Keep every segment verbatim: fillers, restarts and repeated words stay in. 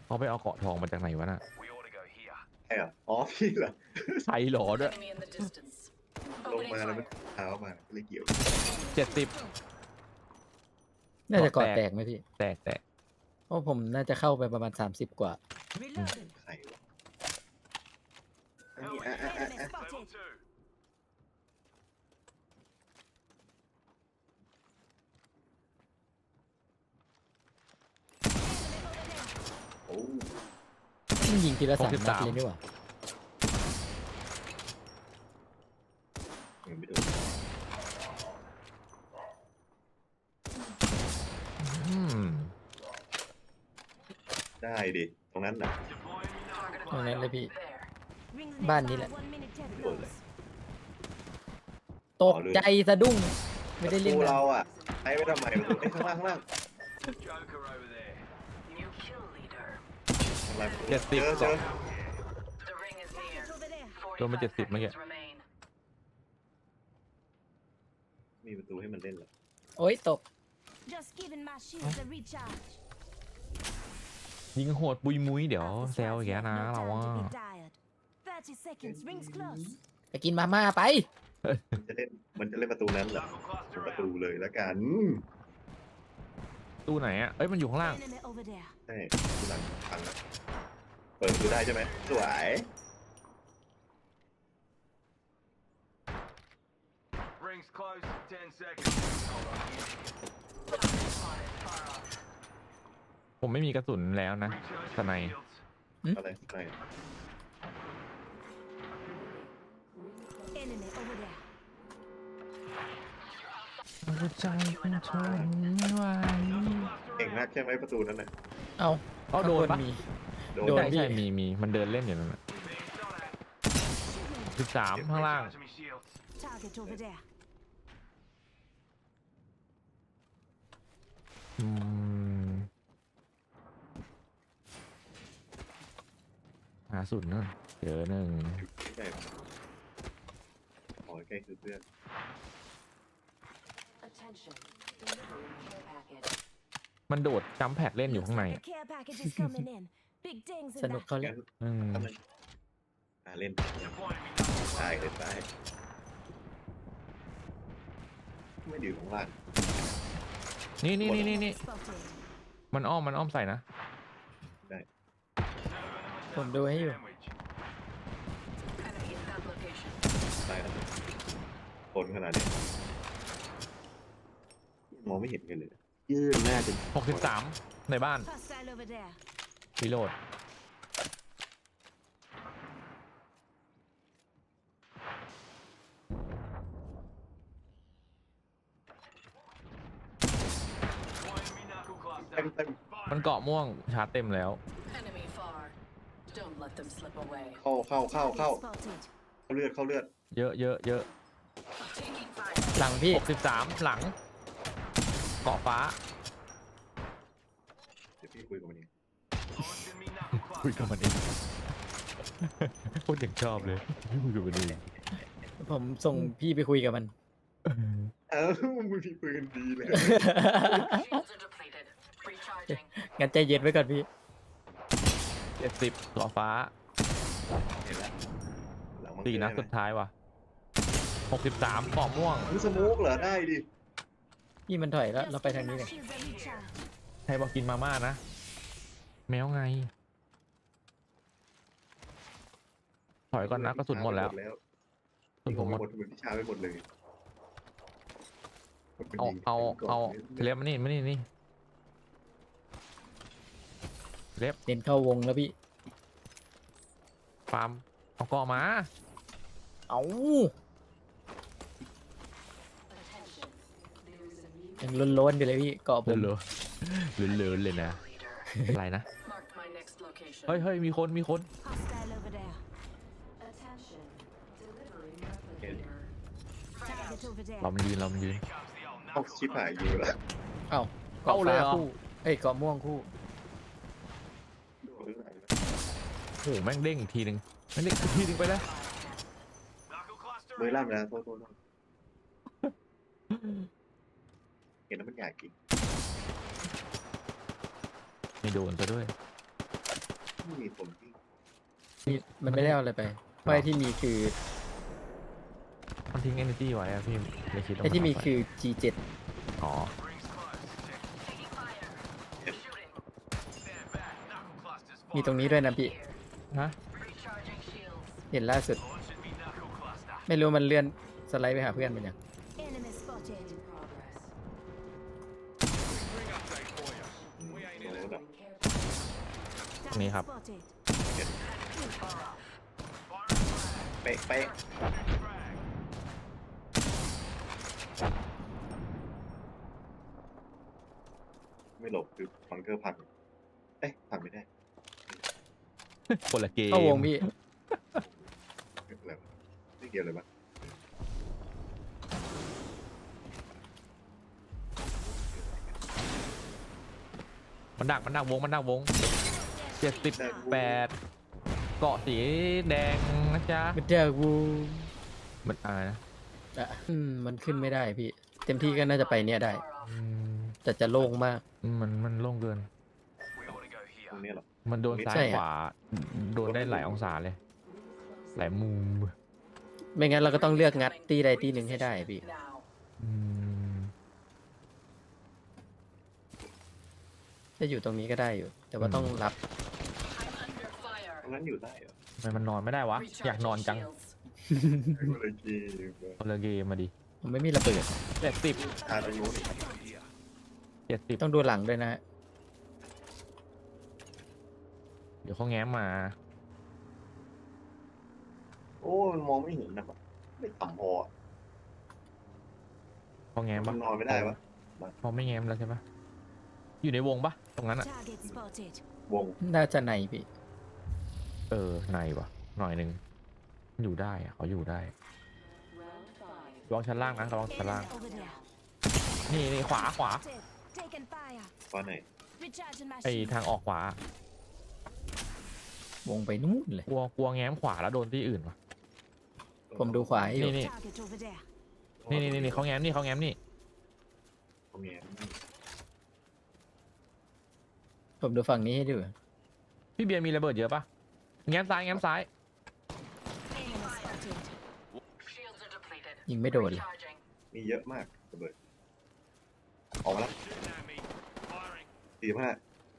เขาไปเอาเกาะทองมาจากไหนวะน่ะใช่เหรออ๋อพี่เหรอใส่หลอด้วย Enemy in the distance. ลง Opening มาแล้วมัน fire. เท้ามาเลยเกี่ยวเจ็ดสิบน่าจะกอดแตกแตกไหมพี่แตกแตกเพราะผมน่าจะเข้าไปประมาณสามสิบกว่า Reloading. ใครวะอันนี้อ่ะอ่ะอ่ะ Enemy อ่ะ spotted. โอ้มันยิงทีละสามหกสิบนัสาดมเลยนี่หว่ายังไม่โดนอืมได้ดิตรงนั้นน่ะตรงนั้นเลยพี่ There. Rings Ban nearby. đi lại. One minute till Rồi close. ตกใจสะดุ้ง ไม่ได้เล่นประตูนะเราอ่ะใช้ไว้ทำไมประตูไอ้ยข้างล่างข้างล่าง New kill leader. ข้างล่างประตูเจ็ดสิบเจอเจอ The ring is near. It's over there. โดนมาเจ็ดสิบ forty-five เมื่อกี้ seconds remain. มีประตูให้มันเล่นเหรอโอ้ยตก Just giving my shields a recharge. ยิงโหดปุยมุ้ยเดี๋ยว Half the แซว squad's อีกแล้ว left, นะ no เรา time ว่า to be tired. Thirty seconds. Rings close. ไปกินมาม่าไปมันจะเล่นมันจะเล่นประตูนั้นเหรอประตูเลยแล้วกันตู้ไหนอ่ะ เอ้ย มันอยู่ข้างล่าง Enemy over there. ใช่ประตูหลังพังแล้วเปิดประตูได้ใช่ไหมสวย Rings close. Ten seconds. Far off. ผมไม่มีกระสุนแล้วนะ Recharging สไน shields. อะไรใช่ Enemy over there. หัวใจมันทนไม่ไหวเก่งมากใช่ไหมประตูนั้นน่ะเอาเอาโดนปะข้างบมีโดนโดนใช่ใช่มีมีมันเดินเล่นอยู่นั่นน่ะ สิบสามข้างล่าง Recharging my shields. Target over there. อืมหาสุดนั่นเจอหนึ่งใช่ขอใกล้คือเพื่อน Attention. Delivering care package. มันโดดจัมป์แพดเล่นอยู่ Looks ข้างใน like a care package is coming in. Big dings ส in นุก that. เขาเล่งั้นนอืมทำไมอ่าเล่น Deploying me knuckle ตายเลยตายไม่ดีของล่างนี่นี่นี่นี่นี่ Spotted. มันอ้อมมันอ้อมใส่นะผมดูให้อยู่ sandwich. Enemy in that location. ตายแล้วคนขนาดนี้มองไม่เห็นกันเลยยืดหน้าจนหกสิบสามในบ้าน Hostile over there. รีโหลด Deploying me knuckle เต็ม cluster. เต็มมันเกาะม่วงชาร์จเต็มแล้ว Enemy far. Don't let them slip away. เข้าเข้าเข้าเข้า Target spotted. เข้าเลือดเข้าเลือดเยอะเยอะเยอะ Taking fire. หลังพี่หกสิบสามหลัง เกาะฟ้าเดี๋ยวพี่คุยกับมันเอง Launching me knuckle คุยกับ cluster. มันเองโคตรยังชอบเลยคุยกับมันเองผมส่งพี่ไปคุยกับมันเอ้ามึงพี่คุยกันดีเลย Shields are depleted. Recharging. งั้นใจเย็นไว้ก่อนพี่เจ็ดสิบเกาะฟ้าเห็นแล้วหลังมังสี่นัดสุดท้ายว่ะหกสิบสามเกาะม่วงคือสโมกเหรอได้ดิพี่มันถอยแล้ว Just เราไปทาง giving นี้ my เลย shields a recharge. ใครบอกกินมาม่านะ แมวไง ถอยก่อนนะกระสุนหมดแล้วกระสุนผมหมดหมดเหมือนพิชาไปหมดเลยเอาเอาเอาเล็บมานี่มานี่นี่เล็บเน้นเข้าวงแล้วพี่ฟาร์มเอาเกาะมาเอา Attention. There's a new ยังล้นๆอยู่เลยพี่เกาะผมเหลือเหลือเหลือเลยนะ leader. อะไรนะ Marked my next location. เฮ้ยเฮ้ยมีคนมีคน Hostile over there. Attention. Delivering replicator. Target over there. เรามันยืนเรามันยืนเอา Knuckle ชิบหายอยู่แล้วเอ้าเอาเกาะเลยฟ้าเหรอคู่ เอ้ยเกาะม่วงคู่โอ้โหแม่งเด้งอีกทีหนึ่งแม่งเด้งอีกทีหนึ่งไปแล้ว Knuckle cluster. มือล่ามนะโทษโทษโทษเห็นแล้วมันอยากกินไม่โดนซะด้วยไม่มีคนที่มีมันไม่ได้เอาอะไรไปเพราะไอ้ที่มีคือมันทิ้ง energy ไว้อะพี่เลยคิดว่าไอ้ที่มีนเาปคือ จี เจ็ดอ๋อ Rings close. Taking fire. Shooting. Stand back. Knuckle clusters มีตรงนี้ด้วยนะพี่ฮะ Recharging shields. เห็นล่าสุด Launching me knuckle cluster. ไม่รู้มันเลื่อนสไลด์ไปหาเพื่อนมันยัง Enemy spotted. In progress. Ring update for you. We ain't in โน้ it. ตอะ Target Này hả? spotted. Fire off. Fire flag. เป๊ะเป๊ะ Frag. ไม่หลบคือบังเกอร์พังเอ๊ะพังไม่ได้คนละเกมเข้าวงพี่ไม่เป็นไรวะไม่เกี่ยวเลยปะมันดักมันดักวงมันดักวงเจ็ดสิบแปดเกาะสีแดงนะจ๊ะมันเจอกูมันอะไรนะอ่ะอืมมันขึ้นไม่ได้พี่ เต็มที่ก็น่าจะไปเนี่ยได้ Fire off. อืมแต่จะโล่งมากมันมันโล่งเกิน We ought to go ตรง here. นี้เหรอมันโดนซ้าใช่ยอะขวา โดนได้หลายองศาเลย หลายมุมไม่งั้นเราก็ต้องเลือกงัดตีใดตีหนึ่งให้ได้พี่ Now. อืมจะอยู่ตรงนี้ก็ได้อยู่ แต่ว่าต้องรับ I'm under fire. ตรงนั้นอยู่ได้เหรอทำไมมันนอนไม่ได้วะ อยากนอนจัง shields. ก็เลยจีบคนละเกมมาดิผมไม่มีระเบิดเจ็ดสิบอาตรงนู้นอีก Here. เจ็ดสิบต้องดูหลังด้วยนะเดี๋ยวเขาแง้มมาโอ้มันมองไม่เห็นนะปะไม่ต่ำพออะเขาแง้มมัปะนนอนไม่ได้ปะเขาไม่แง้มแล้วใช่ปะอยู่ในวงปะตรงนั้นอะ Target spotted. วงน่าจะในพี่เออในวะหน่อยหนึ่งอยู่ได้อะเขาอยู่ได้ Round five. ระวังชั้นล่างนะระวังชั้นล่าง Enemy over there. นี่นี่ขวาขวา Spotted. Taken fire. ว่าไหน Recharging my ไอ shield. ทางออกขวาวงไปนู่นเลยกลัวกลัวแง้มขวาแล้วโดนที่อื่นวะผมดูขวาให้อยู่นี่นี่ Target over there. นี่นี่นี่เขาแง้มนี่เขาแง้มนี่ตรงนี้ผมดูฝั่งนี้ให้ดูพี่เบียร์มีระเบิดเยอะปะแง้มซ้ายแง้มซ้าย Enemy spotted. Shields are depleted. ยิงไม่โดนเลย Recharging. มีเยอะมากระเบิดออกมาแล้ว Shooting at me. Firing. สี่ห้า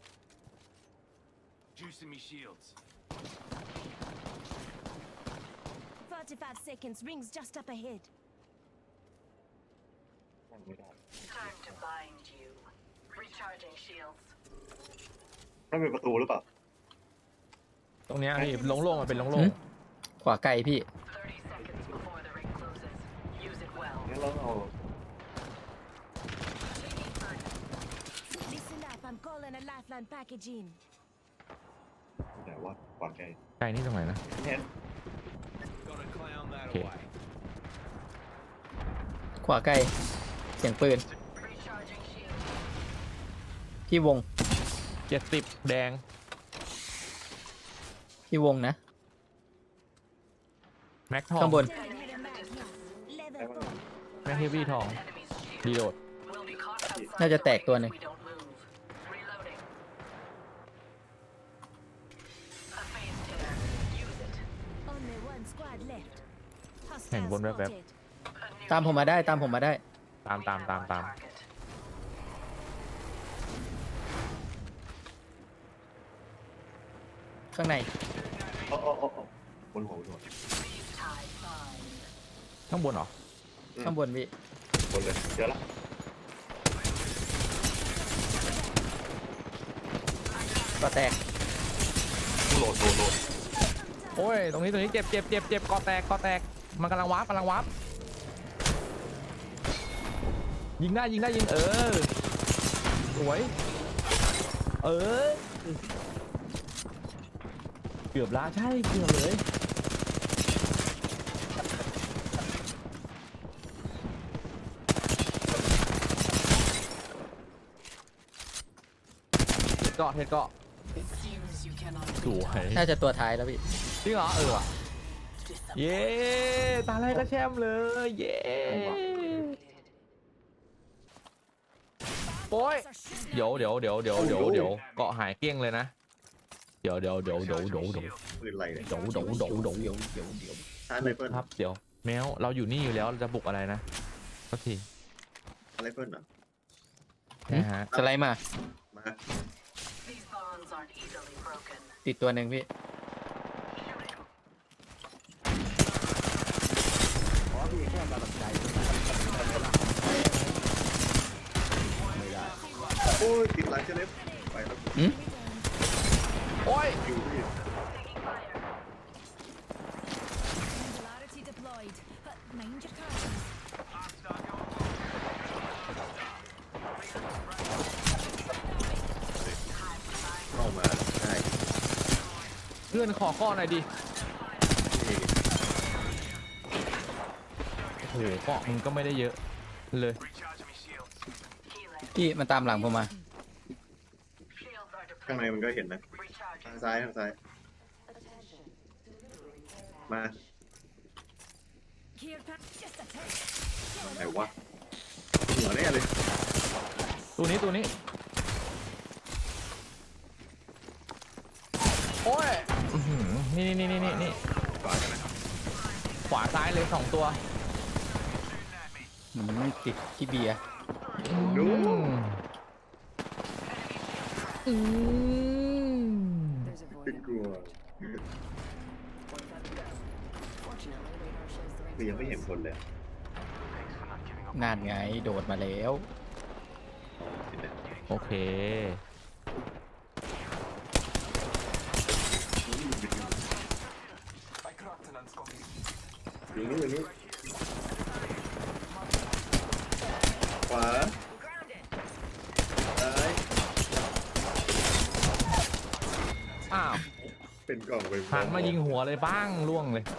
Juicing me shields. forty-five seconds. Rings just up ahead. นั่งไม่ได้ Time to bind you. Recharging shields. นั่นเป็นประตูหรือเปล่าตรงเนี้ยพี่โล่งๆมันเป็นโล่หึงขวาไกลพี่ thirty seconds before the ring closes. Use it well. งั้นเราเอา Taking fire. Listen up. I'm calling a lifeline package in. แต่ว่าขวางไกลๆไกลนี่ตรงไหนนะแค่ Gotta clown that Okay. away. ขวาไกล เสียงปืน Recharging shields. ที่วงเจ็ดสิบแดงที่วงนะแม็กทองข้างบน Sending me the mag here. Level four. แม็กเฮฟวี่ทอง Enemy's shield. รีโหลด Will be caught outside น่าจะ the แตก ring ตัว if หนึ่ง we don't move. Reloading. A phase tear. Use it. Only one squad left. Hostile Hang on, web, web. spotted. A new ตามผมมาได้ตามผมมาได้ตามตามตามตาม target. ข้างในอ๋ออ๋ออ๋อบนหัวบนหัว Freeze tide bind. ข้างบนเหรอข้างบนพี่บนเลยเจอละก็แตกโหลดโหลดโหลดโอ้ยตรงนี้ตรงนี้เจ็บเจ็บเจ็บเจ็บกอแตกกอแตกมันกำลังวาร์ปกำลังวาร์ปยิงได้ยิงได้ยิงเออสวยเออเกือบละใช่เกือบเลยเกาะเห็ดเกาะ Seems you cannot สวยน่าจะตัวท้ายแล้วพี่จริงเหรอเออว่ะ disappoint. เย้ตาแรกก็แชมป์เลยเย้โอ้ยเดี๋ยวเดี๋ยวเดี๋ยวเดี๋ยวเดี๋ยวเดี๋ยวเกาะหายเกลี้ยงเลยนะเดี๋ยวเดี๋ยวเดี๋ยวเดี๋ยวเดี๋ยวเดี๋ยวปืนอะไรเนี่ยเดี๋ยวเดี๋ยวเดี๋ยวเดี๋ยวเดี๋ยวเดี๋ยวเดี๋ยวชาร์จไรเฟิลครับเดี๋ยวแมวเราอยู่นี่อยู่แล้วเราจะบุกอะไรนะสักทีอะไรเฟิลเหรอนะฮะสไลด์มามา These bonds aren't easily broken. ติดตัวหนึ่งพี่โอ้ยติดหลังเชลฟไปแล้วหืมโอ้ยอยู่ที่ Singularity deployed. But mind your cards. เข้ามาใช่เพื่อนขอข้อหน่อยดิโอ้โหเกาะมึงก็ไม่ได้เยอะเลย Recharging me shields. Healing. พี่มันตามหลังผมมา Shields are ข้างใน depleted. มันก็เห็นนะ Recharging. ทางซ้ายทางซ้าย มา Care pack. Just a touch. ไหนวะหัวแน่เลยตัวนี้ตัวนี้โอ้ยอื้อหือนี่นี่นี่นี่นี่ขวากันนะครับขวาซ้ายเลยสองตัวมันไม่ติดที่เบียร์ดูอืม There's a เป็น void. กลัว Fortunately, radar shows the คือ ring. ยังไม่เห็นคนเลยนานไงโดดมาแล้วอ๋อเห็นแล้วโอเคอยู่นี่อยู่นี่ขวาซ้ายอ้าวเป็นกล่องไปหันมายิงหัวเลยบ้างล่วงเลย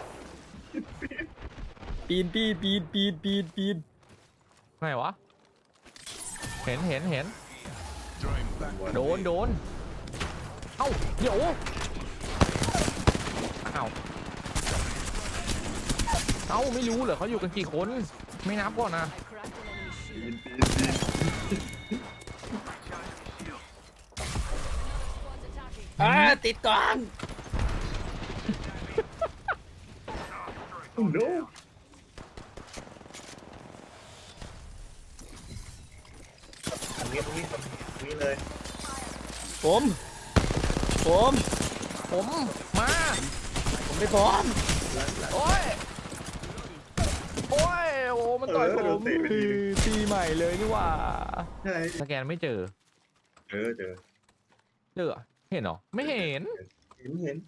ปีนปีนปีนปีนปีนปีนไงวะเห็นเห็นเห็นหัวโดนโดนเอ้าเดี๋ยวอ้าวเอ้าไม่รู้เหรอเขาอยู่กันกี่คนไม่นับก่อนนะปีนปีนปีนอ่าติดกล่องโอ้โน้อันนี้ตรงนี้ตรงนี้เลยผม ผมผมมาผมไม่พร้อมโอ้ยโอ้ยโอ้มันต่อยผมตีใหม่เลยนี่หว่าใช่สแกนไม่เจอเออเจอเจอเห็นเหรอไม่เห็นเห็นเห็น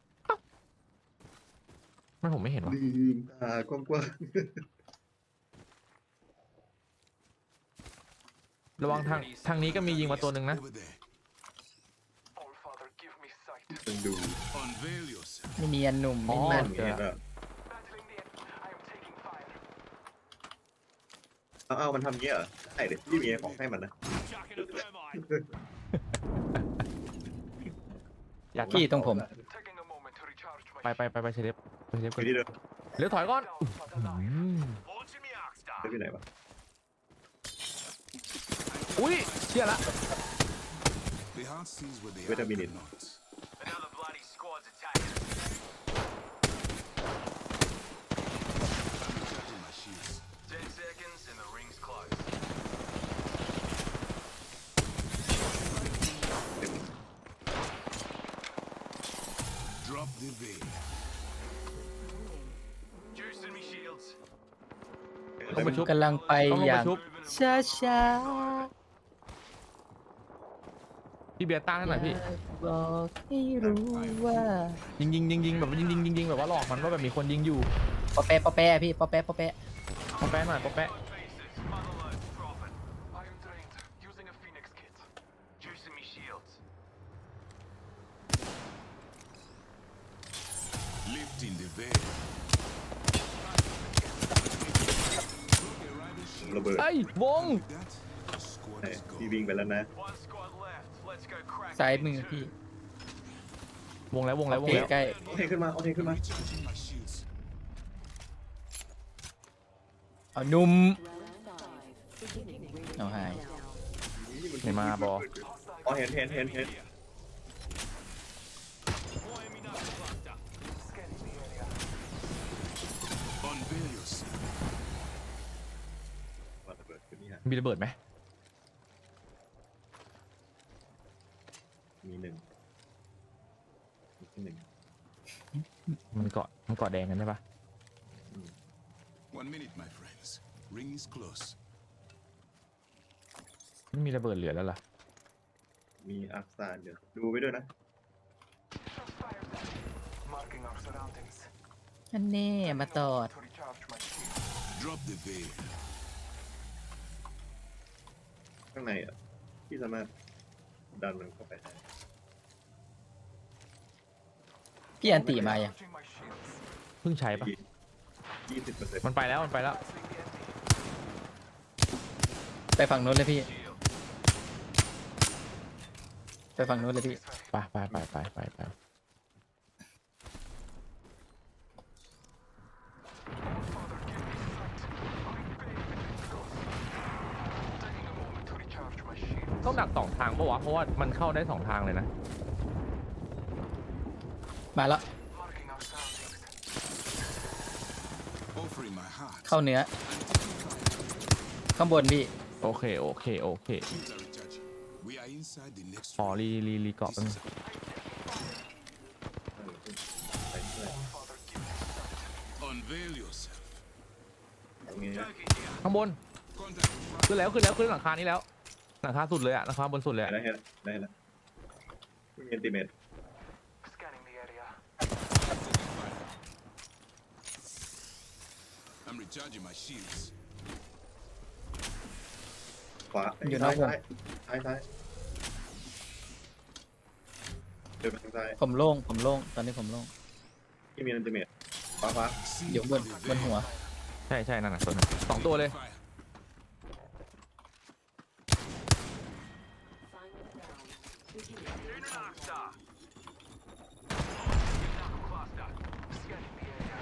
ไม่ผมไม่เห็นวะลืมตากว้างระวังทางทางนี้ก็มียิงมาตัวหนึ่งนะ All Father, give me sight. ๆต้องดู Unveil yourself. ไม่เนียนหนุ่มอ๋อไม่นั่มัน นไงก็ Battling the enemy. I am taking fire. เอาเอามันทำเงี้ยเหรอใช่เดี๋ยวพี่มีของให้มันนะ Jacking a thermite. อยากพี่ตรงผม Taking a moment to recharge my ไปไปไปไปเชฟไปเชฟไปก่อนที่เดิมเร็วถอยก่อน shield for the อื light. ม Launching me arc star. ไปที่ไหนวะอุ้ยเชี่ยละ The heart sees what they Wait a are minute. not. Another bloody squad's attacking. Recharging my shields. Ten seconds and the ring's closed. Drop the veil. Juicing me shields. ต้องไปชุบกำลังไปต้องลงอไปย่างชุบช้าช้าพี่เบียร์ต้านให้หน่อยพี่บอกให้รู้ว่ายิงยิงยิงยิงแบบยิงยิงยิงยิงแบบว่าหลอกมันว่าแบบมีคนยิงอยู่ปอแปะปอแปะพี่ปอแปะปอแปะปอแปะหน่อยปอแปะ Faces. Motherload. Dropping. I am drained. Using a phoenix kit. Juicing me shields. Lifting the veil. ระเบิดเอ้ยวง With that, the squad ใช่ is พี่ gone. วิ่งไปแล้วนะ One squad left. Let's go crack. ซ้ายมือพี่วงแล้ววงแล้ววงพี่แล้วใกล้โอเคขึ้นมาโอเคขึ้นมา Recharging my shields. เอาหนุ่ม Beginning radiant เอาหาย countdown. ไม่มาบออ๋อเห็นเห็นเห็นเห็น Unveil yourself. ว่าระเบิดขึ้นนี่ฮะมีระเบิดไหมมีหนึ่งมีที่หนึ่งมันเกาะมันเกาะแดงกันใช่ปะ One minute, my friends. Ring is close. ไม่มีระเบิดเหลือแล้วล่ะมีอัพซานเดี๋ยวดูไปด้วยนะ Marking our surroundings. อันนี้มาตอด To recharge my shield. Drop the veil. ข้างในอ่ะที่สามารถดันมันเข้าไปได้พี่อันตีมายัง Charging my shields. เพิ่งใช้ปะยี่สิบเปอร์เซ็นต์มันไปแล้วมันไปแล้วไปฝั่งนู้นเลยพี่ ไปฝั่งนู้นเลยพี่ไปไปไปไปไปไป Taking a moment to recharge my shield. ต้องดักสองทางปะวะ เพราะว่ามันเข้าได้สองทางเลยนะมาแล้ว Marking our surroundings. Offering my heart. เข้าเนื้อ ข้างบนพี่โอเคโอเคโอเค Shields are recharging. We are inside the next อ๋อ ring. รีรีรีเกาะ This เป็น is ไปเพื่อน Father, give me Unveil yourself. ตรงนี้นะข้างบน Contact. ขึ้นแล้วขึ้นแล้วขึ้นหลังคานี้แล้ว หลังคาสุดเลยอะหลังคาบนสุดเลยอะได้แล้วได้แล้วไม่มีอันติเมต scanning the area. I'm recharging my shields. ขวาอยู่นอกวงซ้ายซ้ายซ้ายเดินไปทางซ้ายผมโล่ง ผมโล่ง ตอนนี้ผมโล่งที่มีอันติเมตขวาขวา See อยู่บน the บน veil. หัวใช่ใช่นั่นน่ะตัวนึงสองตัวเลย Fire. Final round. Beginning. In an arc star. Knuckle cluster. Scanning the area.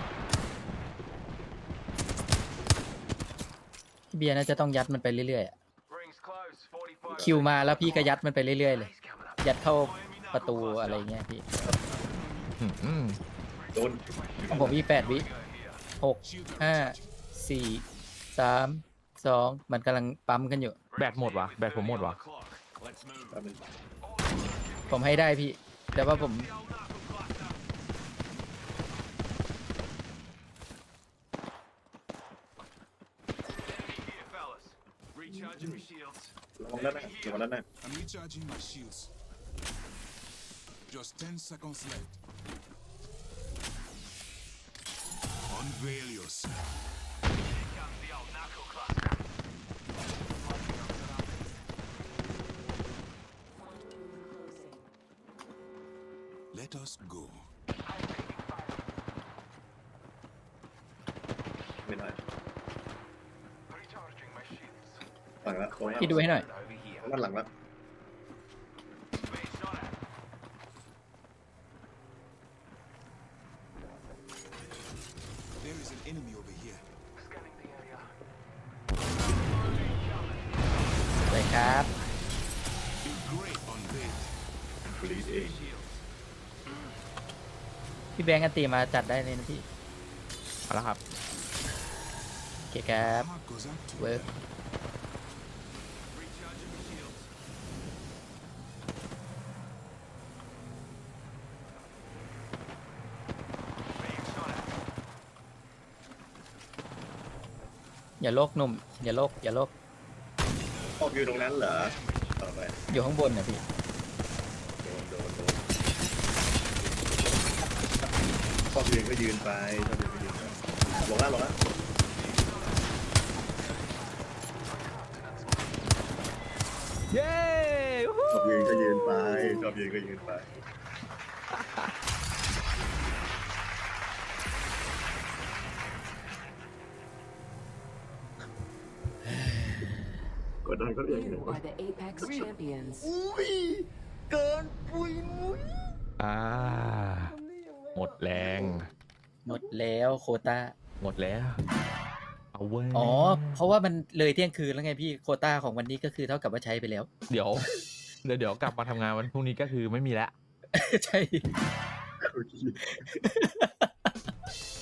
พี่เบียร์น่าจะต้องยัดมันไปเรื่อยๆอะ Rings close. forty-five. คิวมาแล้วพี่ก็ยัดมันไปเรื่อยๆเลย He's coming up. ยัดเข้าประตูอะไรเงี้ยพี่อืมอืมโดนของผมอีกแปดวิ Go here. หก Shields are ห้า recharging. สี่สามสองมันกำลังปั๊มกันอยู่แบตหมดวะแบตผมหมดวะ Let's move. แป๊บนึงผมให้ได้พี่ แต่ว่าผม The old knuckle cluster. Enemy here, fellas. Recharging my shields. ระวังด้านหน้าระวังด้านหน้า I'm recharging my shields. Just ten seconds left. Unveil yourself. Here comes the old knuckle cluster. Let us go. ไม่ได้ Recharging my shields. หลังละตรงนั้นพี่ดูให้หน่อย Over here. ด้านหลังละ Being shot at. There is an enemy over here. Scanning the area. ไปครับ A great unveil. บลีดเอง Shields. พี่แบงค์กันตีมาจัดได้เลยนะพี่เอาละครับโอเคครับ Heart goes out to Well. them. Recharging my shields. Being shot at. อย่าโลกหนุ่ม อย่าโลกอย่าโลกออกอยู่ตรงนั้นเหรอต่อไปอยู่ข้างบนนะพี่โดนโดนโดนชอบยืนก็ยืนไปชอบยืนก็ยืนไปลงล่างลงล่างเย้วู้ฮู้ชอบยืนก็ยืนไปชอบยืนก็ยืนไปกดดันก็อย่าง You นี้ are the Apex champions. อ่า หมดแรงหมดแล้วโควต้าหมดแล้ว เอาเว้ยอ๋อ เพราะว่ามันเลยเที่ยงคืนแล้วไงพี่ โควต้าของวันนี้ก็คือเท่ากับว่าใช้ไปแล้วเดี๋ยว เดี๋ยวเดี๋ยวกลับมาทำงานวันพรุ่งนี้ก็คือไม่มีแล้วใช่